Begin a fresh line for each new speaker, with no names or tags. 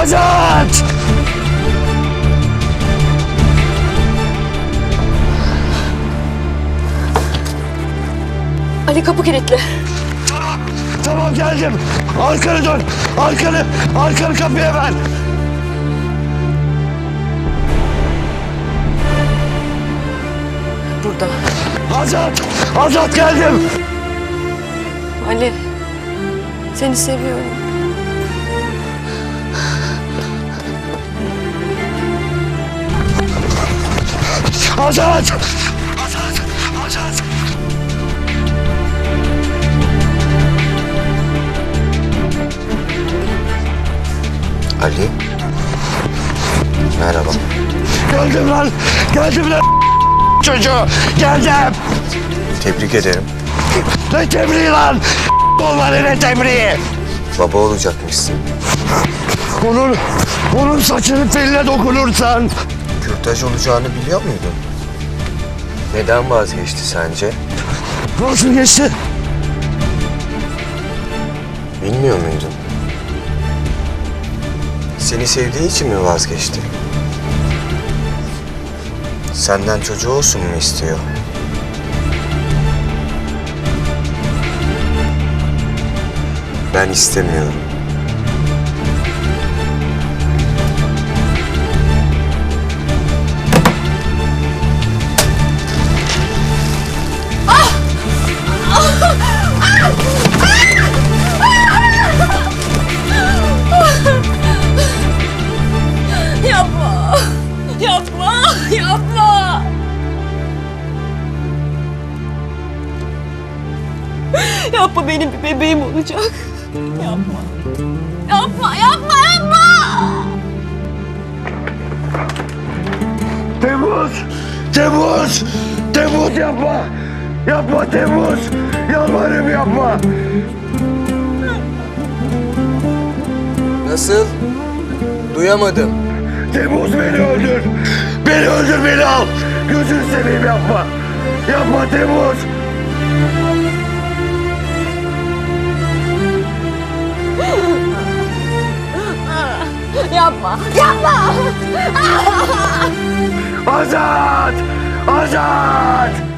Azat!
Ali kapı kilitli.
Tamam geldim. Arkanı dön. Arkanı kapıya ver.
Burada.
Azat geldim.
Ali, seni seviyorum.
Azat!
Ali. Merhaba.
Geldim lan çocuğu. Geldim.
Tebrik ederim.
Ne tebriği lan? Olmadı ne tebriği?
Baba olacakmışsın.
Onun saçının teline dokunursan.
Kürtaj olacağını biliyor muydun? Neden vazgeçti sence?
Nasıl geçti?
Bilmiyor muydun? Seni sevdiği için mi vazgeçti? Senden çocuğu olsun mu istiyor? Ben istemiyorum.
Yapma. Yapma. Yapma. Yapma, benim bir bebeğim olacak. Yapma. Yapma, yapma, yapma.
Temmuz yapma. Yapma Temmuz. Yalvarırım yapma.
Nasıl? Duyamadım.
Temmuz beni öldür. Beni al. Gözünü seveyim yapma. Yapma Temmuz.
Yapma. Yapma.
Azat!